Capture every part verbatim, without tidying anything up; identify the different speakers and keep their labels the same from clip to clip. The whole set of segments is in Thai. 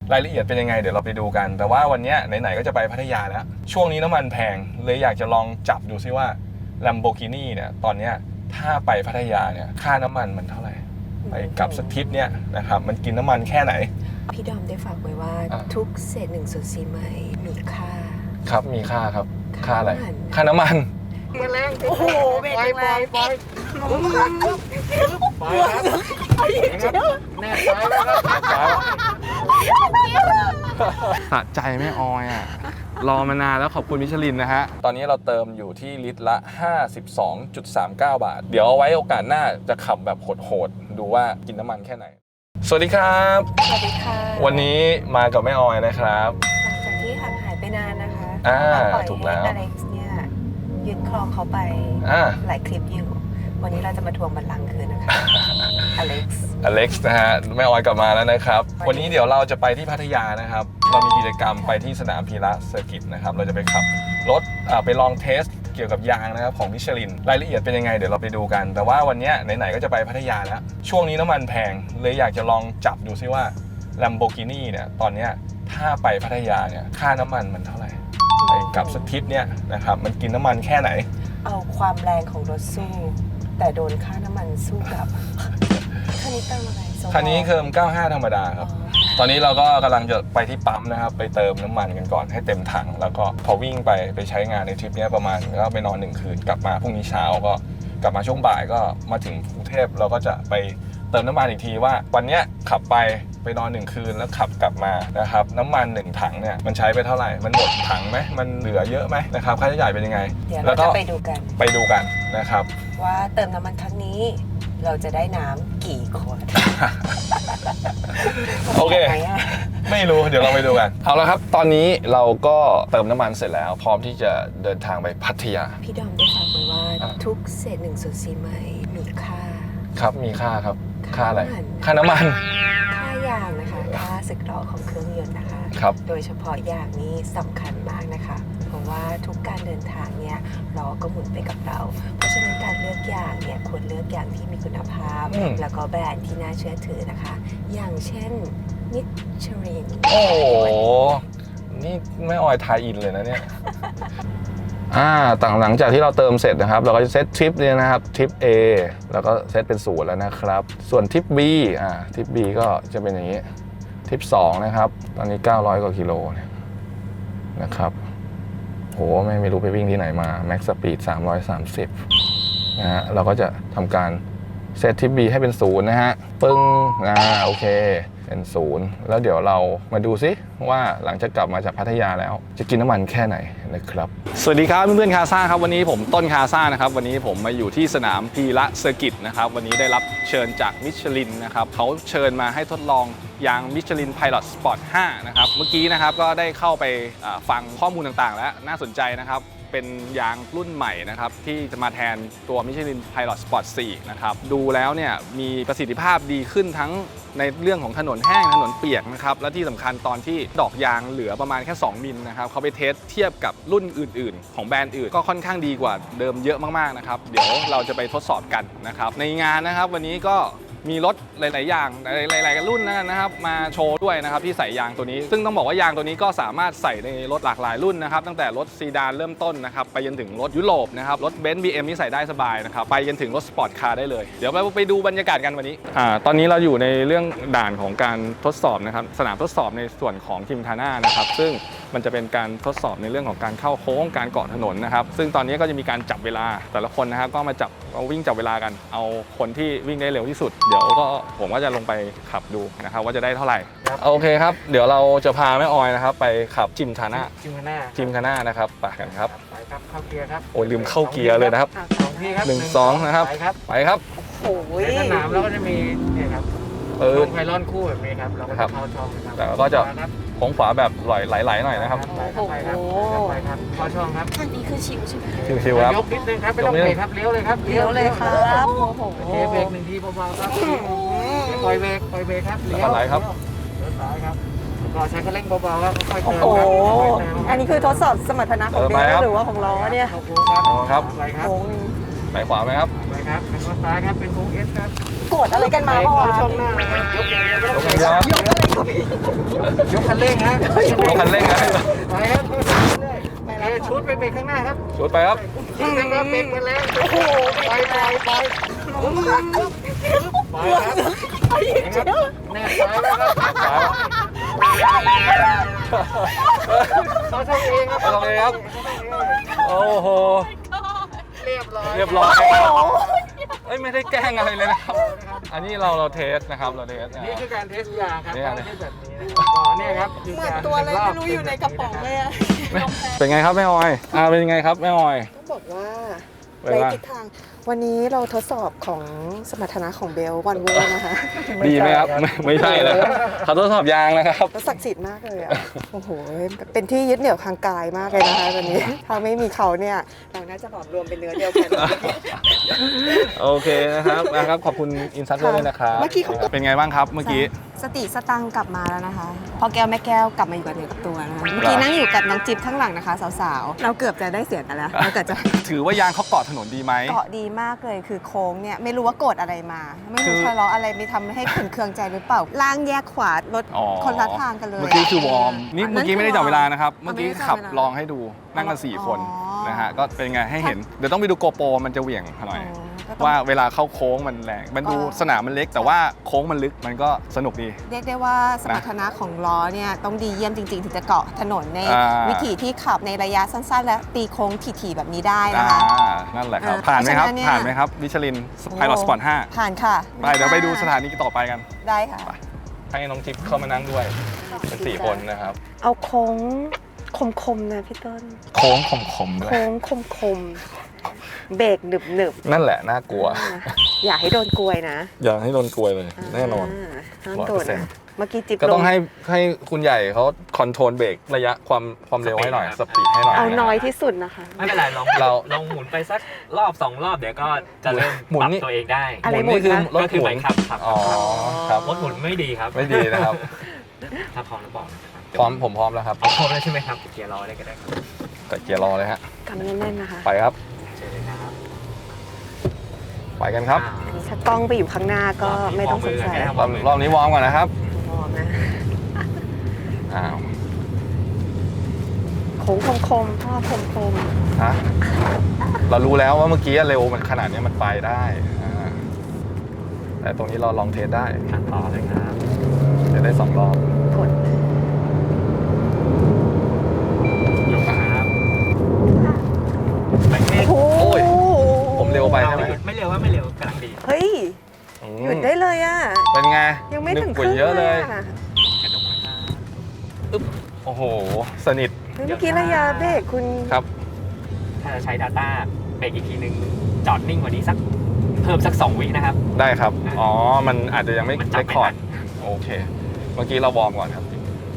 Speaker 1: รายละเอียดเป็นยังไงเดี๋ยวเราไปดูกันแต่ว่าวันนี้ไหนๆก็จะไปพัทยาแล้วช่วงนี้น้ำมันแพงเลยอยากจะลองจับดูซิว่า Lamborghini เนี่ยตอนนี้ถ้าไปพัทยาเนี่ยค่าน้ำมันมันเท่าไหร่ไปกลับสักทริปเนี่ยนะครับมันกินน้ำมันแค่ไหน
Speaker 2: พี่ดอมได้ฝากไว้ว่าทุกเศษหนึ่งส่วนสี่ไม้มีค่าครับ
Speaker 1: มีค่าครับค่าอะไรค่าน้ำมัน
Speaker 2: มันแรงโอ้โหเบรกแรงไปไป
Speaker 1: แน่ใจครับสะใจแม่ออยอ่ะรอมานานแล้วขอบคุณมิชลินนะฮะตอนนี้เราเติมอยู่ที่ลิตรละ ห้าสิบสองจุดสามเก้า บาทเดี๋ยวเอาไว้โอกาสหน้าจะขับแบบโหดๆดูว่ากินน้ำมันแค่ไหนสวัสดีครับ
Speaker 2: สวัสดีค่ะ
Speaker 1: วันนี้มากับแม่ออยนะครับ
Speaker 2: หลังจากที่ห่างหายไปนานนะคะ
Speaker 1: อ่าถูกแล้ว
Speaker 2: อเล็กซ์เนี่ยยึดครองเขาไปหลายคลิปอยู่วันนี้เราจะมาทวงบัลลังก์คืนนะคะอเล็กซ์
Speaker 1: อเล็กซ์นะฮะแม่ออยกลับมาแล้วนะครับวันนี้เดี๋ยวเราจะไปที่พัทยานะครับเรามีกิจกรรมไปที่สนามพีระเซอร์กิตนะครับเราจะไปขับรถไปลองเทสเกี่ยวกับยางนะครับของมิชลินรายละเอียดเป็นยังไงเดี๋ยวเราไปดูกันแต่ว่าวันนี้ไหนๆก็จะไปพัทยาแล้วช่วงนี้น้ำมันแพงเลยอยากจะลองจับดูซิว่า Lamborghini เนี่ยตอนนี้ถ้าไปพัทยาเนี่ยค่าน้ำมันมันเท่าไหร่ไปกลับสักทริปเนี่ยนะครับมันกินน้ำมันแค่ไหน
Speaker 2: เอาความแรงของรถสู้แต่โดนค่าน้ำมันสู้กลับคันนี้เติมอะไร
Speaker 1: คันนี้เติมเก้าสิบห้าธรรมดาครับตอนนี้เราก็กำลังจะไปที่ปั๊มนะครับไปเติมน้ำมันกันก่อนให้เต็มถังแล้วก็พอวิ่งไปไปใช้งานในทริปนี้ประมาณก็ไปนอนหนึ่งคืนกลับมาพรุ่งนี้เช้าก็กลับมาช่วงบ่ายก็มาถึงกรุงเทพเราก็จะไปเติมน้ำมันอีกทีว่าวันนี้ขับไปไปนอนหนึ่งคืนแล้วขับกลับมานะครับน้ำมันหนึ่งถังเนี่ยมันใช้ไปเท่าไหร่มันหมดถังไหมมันเหลือเยอะไหมนะครับค่าใช้จ่ายเป็นยังไง
Speaker 2: เดี๋ยวเราจะไปดูกัน
Speaker 1: ไปดูกันนะครับ
Speaker 2: ว่าเติมน้ำมันครั้งนี้เราจะได้น้ำกี่ขวด
Speaker 1: โอเคไม่รู้เดี๋ยวเราไปดูกันเอาละครับตอนนี้เราก็เติมน้ำมันเสร็จแล้วพร้อมที่จะเดินทางไปพัทยา
Speaker 2: พี่ดอมได้ฝากไว้ว่าทุกเศษหนึ่งส่วนสี่ไม้มีค่า
Speaker 1: ครับมีค่าครับค่าอะไรค่าน้ำมัน
Speaker 2: ค่ายางนะคะค่าสึกหรอของเครื่องยนต์นะคะ
Speaker 1: ครับ
Speaker 2: โดยเฉพาะยางนี้สำคัญมากนะคะเพราะว่าทุกการเดินทางเนี่ยล้อก็หมุนไปกับเราเพราะฉะนั้นการเลือกยางเนี่ยควรเลือกยางที่มีคุณภาพแล้วก็แบรนด์ที่น่าเชื่อถือนะคะอย่างเช่นมิชลิน
Speaker 1: โอ้โหนี่ไม่ออยทายอินเลยนะเนี่ยอ่าต่างหลังจากที่เราเติมเสร็จนะครับเราก็จะเซตทริปเนี่ยนะครับทริป A แล้วก็เซตเป็นศูนย์แล้วนะครับส่วนทริป B อ่าทริป B ก็จะเป็นอย่างนี้ทริปสองนะครับตอนนี้เก้าร้อยกว่ากิโลนะครับโหไม่ไม่รู้ไปวิ่งที่ไหนมาแม็กซ์สปีดสามร้อยสามสิบนะฮะเราก็จะทำการเซตทริป B ให้เป็นศูนย์นะฮะปึ้งอ่าโอเคเป็นศูนย์แล้วเดี๋ยวเรามาดูซิว่าหลังจากกลับมาจากพัทยาแล้วจะกินน้ำมันแค่ไหนนะครับสวัสดีครับเพื่อนๆคาซ่าครับวันนี้ผมต้นคาซ่านะครับวันนี้ผมมาอยู่ที่สนามพีระเซอร์กิตนะครับวันนี้ได้รับเชิญจากมิชลินนะครับเขาเชิญมาให้ทดลองยางมิชลินไพลอตสปอร์ตห้านะครับเมื่อกี้นะครับก็ได้เข้าไปฟังข้อมูลต่างๆแล้วน่าสนใจนะครับเป็นยางรุ่นใหม่นะครับที่จะมาแทนตัวมิชลินไพลอตสปอร์ตสี่นะครับดูแล้วเนี่ยมีประสิทธิภาพดีขึ้นทั้งในเรื่องของถนนแห้งถนนเปียกนะครับและที่สำคัญตอนที่ดอกยางเหลือประมาณแค่สองมิลนะครับเขาไปเทสเทียบกับรุ่นอื่นๆของแบรนด์อื่นก็ค่อนข้างดีกว่าเดิมเยอะมากๆนะครับเดี๋ยวเราจะไปทดสอบกันนะครับในงานนะครับวันนี้ก็มีรถหลายๆอย่างหลายๆรุ่นนะครับมาโชว์ด้วยนะครับที่ใส่ยางตัวนี้ซึ่งต้องบอกว่ายางตัวนี้ก็สามารถใส่ในรถหลากหลายรุ่นนะครับตั้งแต่รถซีดานเริ่มต้นนะครับไปจนถึงรถยุโรปนะครับรถเบนซ์ บี เอ็ม นี่ใส่ได้สบายนะครับไปจนถึงรถสปอร์ตคาร์ได้เลยเดี๋ยวเราไปดูบรรยากาศกันวันนี้อ่าตอนนี้เราอยู่ในเรื่องด่านของการทดสอบนะครับสนามทดสอบในส่วนของทิมคาน่านะครับซึ่งมันจะเป็นการทดสอบในเรื่องของการเข้าโค้งการเกาะถนนนะครับซึ่งตอนนี้ก็จะมีการจับเวลาแต่ละคนนะครับก็มาจับเอาวิ่งจับเวลากันเอาคนที่วิ่งได้เร็วที่สุดเดี๋ยวก็ผมก็จะลงไปขับดูนะครับว่าจะได้เท่าไหร่โอเคครับเดี๋ยวเราจะพาแม่ออยนะครับไปขับจิมคาน่า
Speaker 3: จิมคาน่า
Speaker 1: จิมคาน่านะครับไปกันครับ
Speaker 3: ไปครับเข้าเกียร์ครับ
Speaker 1: โอ้ยลืมเข้าเกียร์เลยนะครับหนึ่งสองนะครับไปครับ
Speaker 2: โอ้ย
Speaker 3: ในสนามเราก็จะมีเนี่ยครับเออไพลอนคู่แบบนี้ครับเราก็จะเข้าช่องครับ
Speaker 1: แต่ก็จะโค้งขวาแบบไหลๆหน่อยนะครับ
Speaker 3: ไปครับไปครับไปครับเข้าช่องครับ
Speaker 2: ทางนี้คือชิวใช่ไหม
Speaker 1: ชิวๆครับ
Speaker 3: ยกนิดนึงครับไม่ต้องเบรกครับเลี้ยวเลยครับ
Speaker 2: เลี้ยวเลยครับโอ้โห
Speaker 3: เทเบรกหนึ่งทีเบาๆครับปล่อยเบรกปล่อยเบรกครับ
Speaker 1: เลี้ยวไหลครับ
Speaker 3: เลี้ยวซ้ายครับก็ใช้คันเร่งเบาๆครับค่อยๆเติม
Speaker 2: โอ้โหอันนี้คือทดสอบสมรรถนะของเบรกหรือว่าของล้อเนี่ย
Speaker 1: ครับ
Speaker 3: ไปครับ
Speaker 1: ไปขวาไหมครับ
Speaker 3: ไปครับแล้วก็ซ้ายครับเป็นโค้งเอสครับ
Speaker 2: โกรธอะไรกันมา
Speaker 3: ไป
Speaker 2: เมื่อวาน
Speaker 3: ช่องหน้านะครับยกอย่างเดียวไม่ต้อง
Speaker 1: ยกอย่างเดียว
Speaker 2: ยกอะไรครับพี่
Speaker 3: ยกคันเร่งฮะ
Speaker 1: ยกคันเร่งนะ
Speaker 3: ไปครับเรื่อยๆไปเลยชุดไปเบรกข้างหน้าครับ
Speaker 1: ชุดไปครับ
Speaker 3: ยิงนะครับเบรกไปแล้วโอ้โหไปไปไปไปครับแน่ซ้ายแล้วครับ
Speaker 1: ซ้าย
Speaker 3: เขาช่องเองครับ
Speaker 1: เอาลงเองครับ โอ้โห
Speaker 3: เรียบร้อย
Speaker 1: เรียบร้อยครับเอ้ยไม่ได้แกล้งอะไรเลยนะครับ อันนี้เราเราเทสนะครับเราเทส
Speaker 3: นี่คือการเทสยางครับ
Speaker 1: นี่
Speaker 3: ไม่
Speaker 1: อันนี้
Speaker 3: ใช่แบบนี้นะครับอ๋อเนี่ยครับคื
Speaker 2: เหมือน
Speaker 3: การ
Speaker 2: ตัวอะไรไม่รู้อยู่ในกระป๋องเลยอะ
Speaker 1: เป็นไงครับแม่ออยอ่าเป็นยังไงครับแม่ออย
Speaker 2: ต้องบอกว่า
Speaker 1: เว
Speaker 2: ใน
Speaker 1: ลา
Speaker 2: ทิศทาง วันนี้เราทดสอบของสมรรถนะของเบลวันโวนะคะ
Speaker 1: ดีไหมครับไม่ไม่ใช่นะครับเขาทดสอบยางนะครับ
Speaker 2: แล้วศักดิ์สิทธิ์มากเลยอ่ะ โอ้โห เป็นที่ยึดเหนี่ยวทางกายมากเลยนะคะตอนนี้ ถ้าไม่มีเขาเนี่ย เราน่าจะหลอมรวมเป็นเนื้อเดียวกัน
Speaker 1: โอเคนะครับนะครับขอบคุณอินซัตด้วยนะครับ
Speaker 2: เมื่อกี้เขา
Speaker 1: เป็นไงบ้างครับเมื่อกี้
Speaker 2: สติสตังค์กลับมาแล้วนะคะพอแก้วแม่แก้วกลับมาอยู่กับเนื้อกับตัวนะคะ เมื่อกี้นั่งอยู่กับน้องจิ๊บข้างหลังนะคะสาวๆ เราเกือบจะได้เสียงกันแล้วเราเกือบจะ
Speaker 1: ถือว่ายางเขาเกาะถนนดีไหม
Speaker 2: เกาะดีมากเลยคือโค้งเนี่ยไม่รู้ว่าโกรธอะไรมา ไม่รู้
Speaker 1: คือ
Speaker 2: ทะเลาะอะไรไม่ทำให้ขุนเคืองใจหรือเปล่าล่างแยกขวารถ
Speaker 1: อ๋อ
Speaker 2: คนละทางกันเลย
Speaker 1: เมื่อกี้คือวอร์มนี่
Speaker 2: อันนั้น
Speaker 1: เมื่อกี้ไม่ได้จับเวลานะครับ
Speaker 2: คือวอร์ม
Speaker 1: เมื่อกี้
Speaker 2: ไม่ได้จับ
Speaker 1: ขับ
Speaker 2: เวลา
Speaker 1: ลองให้ดูนั่งกันสี่คน
Speaker 2: อ๋อ
Speaker 1: นะฮะก็เป็นไงให้เห็นเดี๋ยวต้องไปดูโกโปรมันจะเหวี่ยงหน่อย
Speaker 2: อ๋อก็ต้อง
Speaker 1: ว่าเวลาเข้าโค้งมันแรงมันดู
Speaker 2: ก็
Speaker 1: สนามมันเล็ก แต่ว่าโค้งมันลึกมันก็สนุกดี
Speaker 2: เรียกได้ว่าสมรรถนะของล้อเนี่ยต้องดีเยี่ยมจริง ๆ ถึงจะเกาะถนนใน
Speaker 1: อ่า
Speaker 2: วิถีที่ขับในระยะสั้น ๆ และตีโค้งถี่ๆแบบนี้ได้
Speaker 1: อ่า
Speaker 2: นะคะ
Speaker 1: นั่นแหละครับ
Speaker 2: อ่า
Speaker 1: ผ่านไหมครับ
Speaker 2: เพราะฉะนั้นเนี่ย
Speaker 1: ผ่านไหมครับวิชลินไพลอตสปอร์ตห้า
Speaker 2: ผ่านค่ะ
Speaker 1: ไปเดี๋ยวไปดูสถานีต่อไปกัน
Speaker 2: ได้ค่ะ
Speaker 1: ให้น้องจิ๊บเข้ามานั่งด้วยเป็นสี่คนนะครับ
Speaker 2: เอาโค้งคมๆนะพี่ต้น
Speaker 1: โค้งขมๆด้วย
Speaker 2: โค้งคมๆเบรกหนึบ
Speaker 1: นั่นแหละน่ากลัว
Speaker 2: ๆอย่าให้โดนกลวยนะ
Speaker 1: อย่าให้โดนกลวยเลยแน่นอน
Speaker 2: าห้าม
Speaker 1: ร้อย
Speaker 2: โด
Speaker 1: เปอน ร์เซ็นต์
Speaker 2: นะเมื่อกี้จิ๊บ
Speaker 1: ก็ต้อง
Speaker 2: ล
Speaker 1: ให้ให้คุณใหญ่เขาคอนโทรลเบรกระยะความความเร็วให้หน่อยสปีดให้หน่อย
Speaker 2: เอา
Speaker 1: ะ
Speaker 2: น้อยที่สุดนะคะ
Speaker 4: ไม่เป็นไรลอง
Speaker 1: เรา
Speaker 4: ลองหมุนไปสักรอบสองรอบเดี๋ยวก็จะเริ่ม
Speaker 1: หมุน
Speaker 4: ปรับ
Speaker 1: นี่
Speaker 4: ตัวเองได้
Speaker 2: อะไร
Speaker 1: หมุนนี่คือ
Speaker 2: หมุนนะ
Speaker 1: รถ
Speaker 4: ก็คื
Speaker 1: ห
Speaker 4: อ
Speaker 1: มุ
Speaker 4: ไป
Speaker 1: น
Speaker 4: ขับขับ
Speaker 1: อ๋อครับ
Speaker 4: รถหมุนไม่ดีครับ
Speaker 1: ไม่ดีนะครับ
Speaker 4: ถ้าพร้อมแล้วบอกนะครับ
Speaker 1: พร้อมผมพร้อมแล้วครับ
Speaker 4: พร้อมแล้วใช่ไหมครับเกียร์รอได้ก็ได้ครับ
Speaker 1: แต่เกียร์รอเลยฮะ
Speaker 2: กำแน่นๆนะคะ
Speaker 1: ไปครับ
Speaker 4: เชิญเลยครับ
Speaker 1: ไปกันครับ
Speaker 4: อ่า
Speaker 2: อันนี้ถ้ากล้องไปอยู่ข้างหน้าก็ไม่ต้องสงสัย
Speaker 1: รอบรอบนี้วอร์มก่อนนะครับ
Speaker 2: มองนะ
Speaker 1: อ้าว
Speaker 2: โค้งคมๆพ่อคม
Speaker 1: ฮะเรารู้แล้วว่าเมื่อกี้เร็วมันขนาดนี้มันไปได้อ่าแต่ตรงนี้เราลองเทสได้
Speaker 4: ขันต่อเลยครับ
Speaker 1: จะได้สองรอบ
Speaker 2: ๆกด
Speaker 4: ยกครับไปเมฆ
Speaker 2: โอ้
Speaker 1: โอ้ย ผมเร็วไปใช่ไหม
Speaker 4: ไม่เร็วว่าไม่เร็วกำลังดี
Speaker 2: เฮ้ย
Speaker 1: อืม
Speaker 2: หยุดได้เลยอ่ะ
Speaker 1: เป็นไง
Speaker 2: ยังไม่ถึง
Speaker 1: นึก
Speaker 2: ค
Speaker 1: กว่า
Speaker 2: รึ่ง
Speaker 1: เยอะเลย
Speaker 2: อะ
Speaker 4: กระดกนะครับ
Speaker 1: โอ้โห สนิท
Speaker 2: เฮ้ยเมื่อกี้ระยะเบรกคุณ
Speaker 1: ครับ
Speaker 4: ถ้าจะใช้ Data เบรกอีกทีนึงจอดนิ่งกว่านี้สักเพิ่มสักสองวินะครับ
Speaker 1: ได้ครับ อ๋อ มันอาจจะยังไม่
Speaker 4: มัน
Speaker 1: เร
Speaker 4: จับ
Speaker 1: ค
Speaker 4: ไม่
Speaker 1: คอร์ด
Speaker 4: ทัน
Speaker 1: โอเค เมื่อกี้เราวอร์มก่อนครับ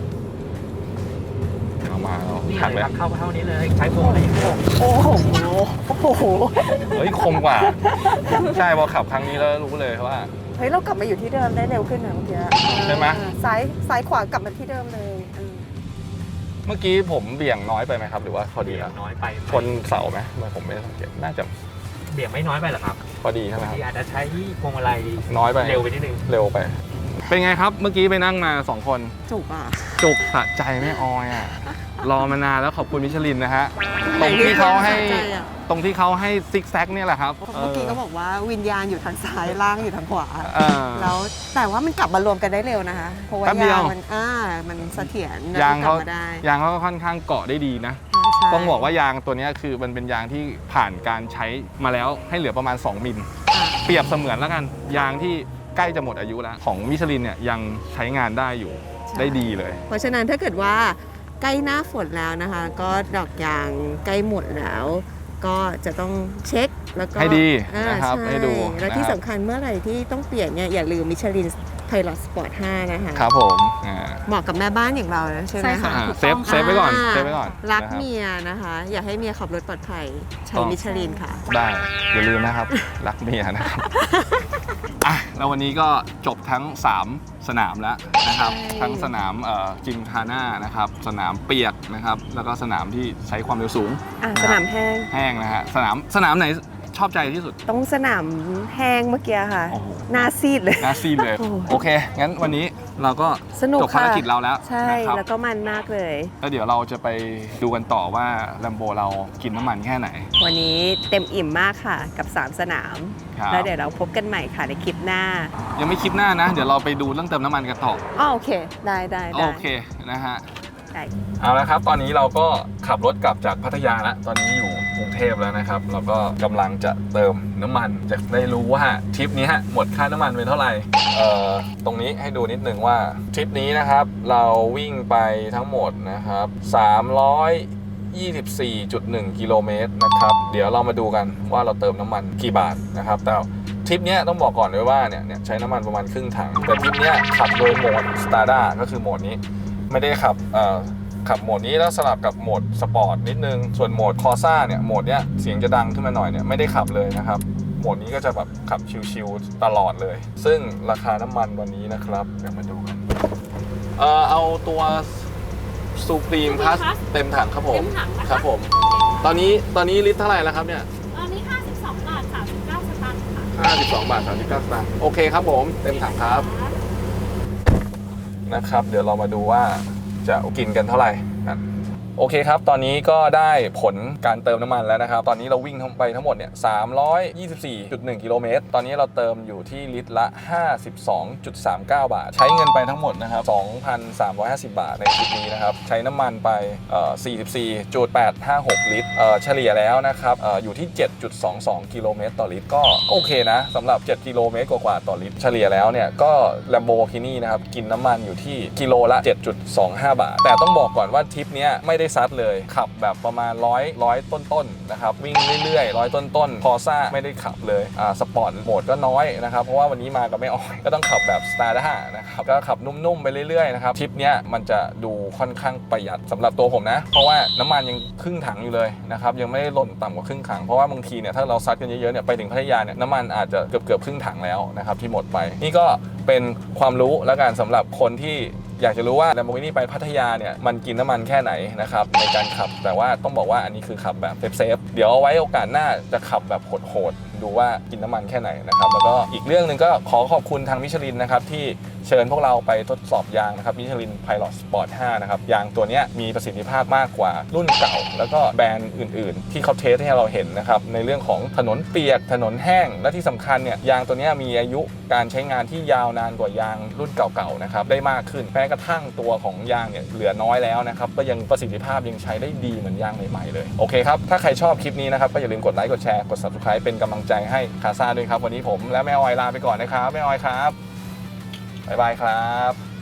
Speaker 1: เอามาแล้ว
Speaker 4: นี่
Speaker 1: หัก
Speaker 4: เล
Speaker 1: เลย ย
Speaker 4: ครับเข้าเท่านี้เลยใช้พวงอะไรอย่างเงี้ย
Speaker 2: โอ้โหโอ้โห
Speaker 1: เฮ้ย คมกว่า ใช่พอขับครั้งนี้แล้วรู้เลยว่า
Speaker 2: เฮ้ยเรากลับมาอยู่ที่เดิมได้เร็วขึ้นนะเมื่อกี้
Speaker 1: ใช่ไหม
Speaker 2: อ่าซ้ายซ้ายขวากลับมาที่เดิมเลยอืม
Speaker 1: เมื่อกี้ผมเบี่ยงน้อยไปไหมครับ หรือว่าพอดี
Speaker 4: เบี่ย
Speaker 1: แล้ว
Speaker 4: งน้อยไป
Speaker 1: ชนเสาไหมทำไมผมไม่ได้สังเกตน่าจะ
Speaker 4: เบี่ยงไม่น้อยไปหรอครับ
Speaker 1: พอดีใช่ไหม
Speaker 4: บาง
Speaker 1: ครับ
Speaker 4: ทีอาจจะใช้พวงมาลัย
Speaker 1: น้อยไป
Speaker 4: เร็วไปนิดนึง
Speaker 1: เร็วไป เป็นไงครับ เมื่อกี้ไปนั่งมาสองคน
Speaker 2: จุกอ่ะ
Speaker 1: จุกสะใจไม่ออยอ่ะ รอมานานแล้วขอบคุณมิชลินนะฮะ ตรงที่เขาให้
Speaker 2: ใจอะ
Speaker 1: ตรงที่เขาให้ซิกแซกเนี่ยแหละครับ
Speaker 2: เมื่อกี้ก็บอกว่าวิญญาณอยู่ทางซ้ายล่างอยู่ทางขวา
Speaker 1: เออ
Speaker 2: แล้วแต่ว่ามันกลับมารวมกันได้เร็วนะคะ เพราะว่า
Speaker 1: แป๊บเดียว
Speaker 2: ยางมันอ่ามันเสถียรแล้ว
Speaker 1: ยาง
Speaker 2: กลั
Speaker 1: เขา
Speaker 2: บมาได้
Speaker 1: ยางเขาก็ค่อนข้างเกาะได้ดีนะ
Speaker 2: ใช่
Speaker 1: ต้องบอกว่ายางตัวเนี้ยคือมันเป็นยางที่ผ่านการใช้มาแล้วให้เหลือประมาณสองมิล
Speaker 2: อ่า
Speaker 1: เปรียบเสมือนแล้วกัน ยางที่ใกล้จะหมดอายุแล้ว ของมิชลินเนี่ยยังใช้งานได้อยู่ได้ดีเลย
Speaker 2: เพราะฉะนั้นถ้าเกิดว่าใกล้หน้าฝนแล้วนะคะ ก็ดอกยางใกล้หมดแล้ว ก็จะต้องเช็คแล้วก็
Speaker 1: ให้ดี
Speaker 2: อ่า
Speaker 1: นะครับ
Speaker 2: ช่
Speaker 1: ให้ดู
Speaker 2: และที่
Speaker 1: นะครับ
Speaker 2: สำคัญเมื่อไหร่ที่ต้องเปลี่ยนเนี่ยอย่าลืมมิชลินไพลอตสปอร์ตห้านะคะ
Speaker 1: ครับผมอ่า
Speaker 2: เหมาะกับแม่บ้านอย่างเรานะใช่ไหม
Speaker 5: ใช่ค่ะ
Speaker 1: อ่าเซฟเซฟไว้ก่อนเซฟไว้ก่อน
Speaker 2: รัก
Speaker 1: นะครับ
Speaker 2: เมียนะคะ อย่าให้เมียขับรถปลอดภัยใช้
Speaker 1: ต้อง
Speaker 2: มิชลินค่ะ
Speaker 1: ได้อย่าลืมนะครับ รักเมียนะครับ อ่ะแล้ววันนี้ก็จบทั้งสามสนามแล้วนะครับ
Speaker 2: ใช่
Speaker 1: ทั้งสนามเอ่อจิมคาน่านะครับ สนามเปียกนะครับ แล้วก็สนามที่ใช้ความเร็วสูง
Speaker 2: อ่ะ
Speaker 1: นะ
Speaker 2: ส
Speaker 1: ครับ
Speaker 2: นามแห้ง
Speaker 1: แห้งนะฮะสนามสนามไหนชอบใจที่สุด
Speaker 2: ต้องสนามแห้งเมื่อกี้ค่ะ
Speaker 1: โอ้โห
Speaker 2: หน้าซีดเลย
Speaker 1: น่าซีดเลย
Speaker 2: โอ้
Speaker 1: โอเค งั้นวันนี้เราก็
Speaker 2: สนุก
Speaker 1: จบภาร
Speaker 2: ค่ะ
Speaker 1: กิจเราแล้ว
Speaker 2: ใช่
Speaker 1: นะครับ
Speaker 2: แล้วก็มันมากเลย
Speaker 1: แล้วเดี๋ยวเราจะไปดูกันต่อว่าแลมโบเรากินน้ำมันแค่ไหน
Speaker 2: วันนี้เต็มอิ่มมากค่ะกับสามสนาม
Speaker 1: ครับ
Speaker 2: แล้วเดี๋ยวเราพบกันใหม่ค่ะในคลิปหน้า
Speaker 1: ยังไม่คลิปหน้านะ เดี๋ยวเราไปดูเรื่องเติมน้ำมันกันต่อ
Speaker 2: อ๋อโอเค ได้ได้ได้
Speaker 1: โอเคนะฮะ
Speaker 2: ได้
Speaker 1: เอาละครับ ตอนนี้เราก็ขับรถกลับจากพัทยาแล้ว ตอนนี้อยู่กรุงเทพแล้วนะครับ เราก็กำลังจะเติมน้ำมัน จะได้รู้ว่าทริปนี้ฮะหมดค่าน้ำมันไปเท่าไหร่เอ่อตรงนี้ให้ดูนิดนึงว่าทริปนี้นะครับ เราวิ่งไปทั้งหมดนะครับสามร้อยยี่สิบสี่จุดหนึ่งกิโลเมตรนะครับ เดี๋ยวเรามาดูกันว่าเราเติมน้ำมันกี่บาทนะครับ แต่ทริปนี้ต้องบอกก่อนเลยว่าเนี่ยเนี่ยใช้น้ำมันประมาณครึ่งถัง แต่ทริปนี้ขับโดยโหมด Strada ก็คือโหมดนี้ ไม่ได้ขับเอ่อขับโหมดนี้แล้วสลับกับโหมดสปอร์ตนิดนึง ส่วนโหมดคอร์ซ่าเนี่ยโหมดเนี้ยเสียงจะดังขึ้นมาหน่อยเนี่ยไม่ได้ขับเลยนะครับ โหมดนี้ก็จะแบบขับชิลๆตลอดเลย ซึ่งราคาน้ำมันวันนี้นะครับเดี๋ยวมาดูกันเอ่อเอาตัวซูพรีมพลัสเต็มถังครับผม
Speaker 5: เต็มถังนะคะ
Speaker 1: ครับผม ตอนนี้ตอนนี้ลิตรเท่าไหร่แล้วครับเนี่ย
Speaker 5: ตอนนี้ ห้าสิบสองบาทสามสิบเก้าสตางค์ค่ะ
Speaker 1: ห้าสิบสองบาทสามสิบเก้าสตางค์โอเคครับผมเต็มถังครับ นะครับเดี๋ยวเรามาดูว่าจะกินกันเท่าไหร่กันโอเคครับตอนนี้ก็ได้ผลการเติมน้ำมันแล้วนะครับตอนนี้เราวิ่งไปทั้งหมดเนี่ยสามร้อยยี่สิบสี่จุดหนึ่งกิโลเมตรตอนนี้เราเติมอยู่ที่ลิตรละ ห้าสิบสองจุดสามเก้า บาท ใช้เงินไปทั้งหมดนะครับ สองพันสามร้อยห้าสิบ บาทในคลิปนี้นะครับใช้น้ำมันไปเอ่อ สี่สิบสี่จุดแปดห้าหก ลิตรเอ่อเฉลี่ยแล้วนะครับเอ่ออยู่ที่ เจ็ดจุดสองสอง กิโลเมตรต่อลิตรก็โอเคนะสำหรับเจ็ดกิโลเมตรกว่าๆต่อลิตรเฉลี่ยแล้วเนี่ยก็ Lamborghini นะครับกินน้ำมันอยู่ที่กิโลละ เจ็ดจุดสองห้า บาท แต่ต้องบอกก่อนว่าทริปเนี้ยไม่ได้ซัดเลยขับแบบประมาณร้อยร้อยต้นๆนะครับวิ่งเรื่อยๆร้อยต้นๆพอซ่าไม่ได้ขับเลยอ่าสปอร์ตโหมดก็น้อยนะครับเพราะว่าวันนี้มากับไม่ออยก็ต้องขับแบบ Strada นะครับก็ขับนุ่มๆไปเรื่อยๆนะครับทริปเนี้ยมันจะดูค่อนข้างประหยัดสำหรับตัวผมนะเพราะว่าน้ำมันยังครึ่งถังอยู่เลยนะครับยังไม่ได้หล่นต่ำกว่าครึ่งถังเพราะว่าบางทีเนี่ยถ้าเราซัดกันเยอะๆเนี่ยไปถึงพัทยาเนี่ยน้ำมันอาจจะเกือบเกือบครึ่งถังแล้วนะครับที่หมดไปนี่ก็เป็นความรู้แล้วกันสำหรับคนที่อยากจะรู้ว่า Lamborghini ไปพัทยาเนี่ยมันกินน้ำมันแค่ไหนนะครับในการขับแต่ว่าต้องบอกว่าอันนี้คือขับแบบเซฟๆเดี๋ยวเอาไว้โอกาสหน้าจะขับแบบโหดๆดูว่ากินน้ำมันแค่ไหนนะครับแล้วก็อีกเรื่องหนึ่งก็ขอขอบคุณทางมิชลินนะครับที่เชิญพวกเราไปทดสอบยางนะครับมิชลิน Pilot Sport ห้านะครับยางตัวนี้มีประสิทธิภาพมากกว่ารุ่นเก่าแล้วก็แบรนด์อื่นๆที่เขาเทสให้เราเห็นนะครับในเรื่องของถนนเปียกถนนแห้งและที่สำคัญเนี่ยยางตัวนี้มีอายุการใช้งานที่ยาวนานกว่ายางรุ่นเก่าๆนะครับได้มากขึ้นแม้กระทั่งตัวของยางเนี่ยเหลือน้อยแล้วนะครับก็ยังประสิทธิภาพยังใช้ได้ดีเหมือนยางใหม่ๆเลยโอเคครับถ้าใครชอบคลิปนี้นะครับก็อย่าลืมกดไลค์กดแชร์กด ซับสไครบ์ เป็นกำลังใจให้คาซ่าด้วยครับวันนี้ผมและแม่ออยลาไปก่อนนะครับแม่ออยครับบ๊ายบายครับ